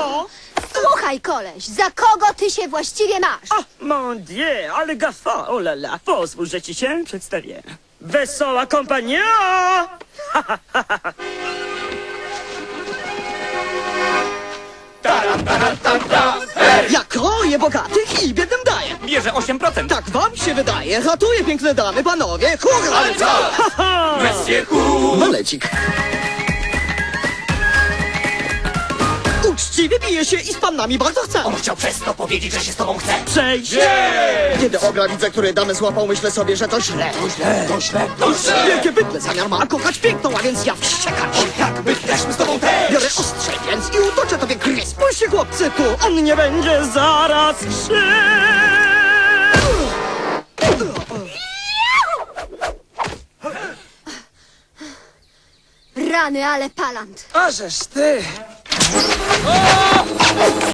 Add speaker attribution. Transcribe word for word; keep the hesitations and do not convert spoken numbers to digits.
Speaker 1: Co?
Speaker 2: Słuchaj, koleś, za kogo ty się właściwie masz?
Speaker 3: Ah, mon dieu, ale gafa, oh la la. Pozwól, że ci się przedstawię. Wesoła kompania!
Speaker 1: Ja kroję bogatych i biednym daję.
Speaker 4: Bierze osiem procent.
Speaker 1: Tak wam się wydaje. Ratuję piękne damy, panowie. Hurra!
Speaker 4: Ale co? Monsieur Cool.
Speaker 1: Walecik. Uczciwie bije się i z panami bardzo chce.
Speaker 4: On chciał przez to powiedzieć, że się z tobą chce.
Speaker 3: Przejdź!
Speaker 1: Kiedy ogra widzę, który damy złapał, myślę sobie, że to źle.
Speaker 4: To źle, to źle, to źle.
Speaker 1: Wielkie bydle zamiar ma kochać piękną, a więc ja wściekać.
Speaker 4: Jakby chcemy z tobą też.
Speaker 1: Biorę ostrze więc i utoczę tobie gryz.
Speaker 3: Spójrzcie, chłopcy, tu on nie będzie zaraz krzył!
Speaker 2: Rany, ale palant.
Speaker 5: Ażeż ty!
Speaker 4: O!